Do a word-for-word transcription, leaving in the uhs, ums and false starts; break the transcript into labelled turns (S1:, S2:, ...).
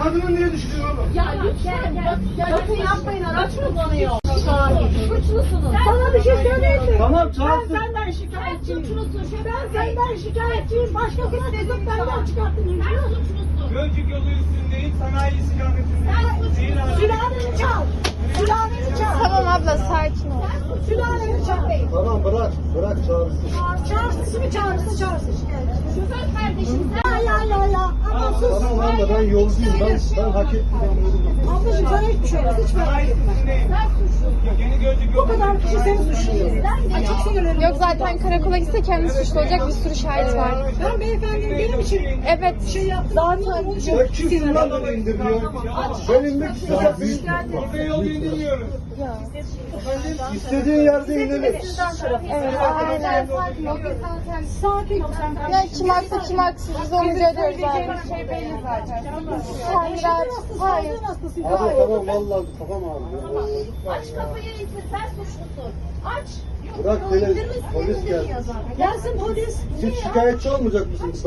S1: kadını niye düşürüyorsun oğlum?
S2: Ya lütfen bak, bakın yapmayın, araç kullanıyor. Suçlusunuz.
S3: Sana bir şey söyleyeyim mi?
S1: Tamam
S3: Ben
S1: çağırsın.
S3: senden şikayetçiyim.
S2: Suçlusun.
S3: Ben senden şikayetçiyim. Başkasına dedim benden çıkarttın.
S2: Sen suçlusun.
S4: Gölcük yolu üstündeyiz, sanayi istikametinde. Değil abi.
S3: Sülaleni çal. Sülaleni çal.
S5: Tamam abla sakin ol.
S3: Sülaleni çal.
S1: Tamam bırak. Bırak çağırsın.
S3: Çağırsın mı çağırsın çağırsın şikayetçi.
S2: Şoför kardeşim sen.
S3: Ya ya ya ya. Ama sus.
S1: Tamam abla ben yolcuyum. Ben, ben hak ettim.
S3: Ablacığım sana hiçbir şey olmaz. Hiç merak
S4: Sanayi
S3: etme.
S4: üstündeyiz.
S2: Sen suçlusun.
S4: Yeni Gölcük
S3: Bu
S4: yolu.
S3: kadar kişi seni suçluyor. Açık sinirlerim.
S5: Yok zaten karakola gitse kendi suçlu olacak, bir sürü şahit var.
S3: Ben beyefendinin benim için
S5: Evet.
S3: şey yaptım. Zaten onun için
S1: Ya kimsin lan beni indiriyor? Ben inmek istiyorum. Büyük
S4: Burada yol indirmiyoruz.
S1: İstediğin yerde inelim.
S5: Evet aynen.
S3: sakin ol sen.
S5: Ya kim haklı kim haksız biz onu görüyoruz zaten. Şey belli zaten. Sen rahat. Hayır.
S1: Abi tamam vallahi kafam ağrıyor.
S2: Aç kapıyı ise sen suçlusun. Aç.
S1: Bırak hele polis geldi.
S3: Gelsin polis.
S1: Siz şikayetçi olmayacak mısınız?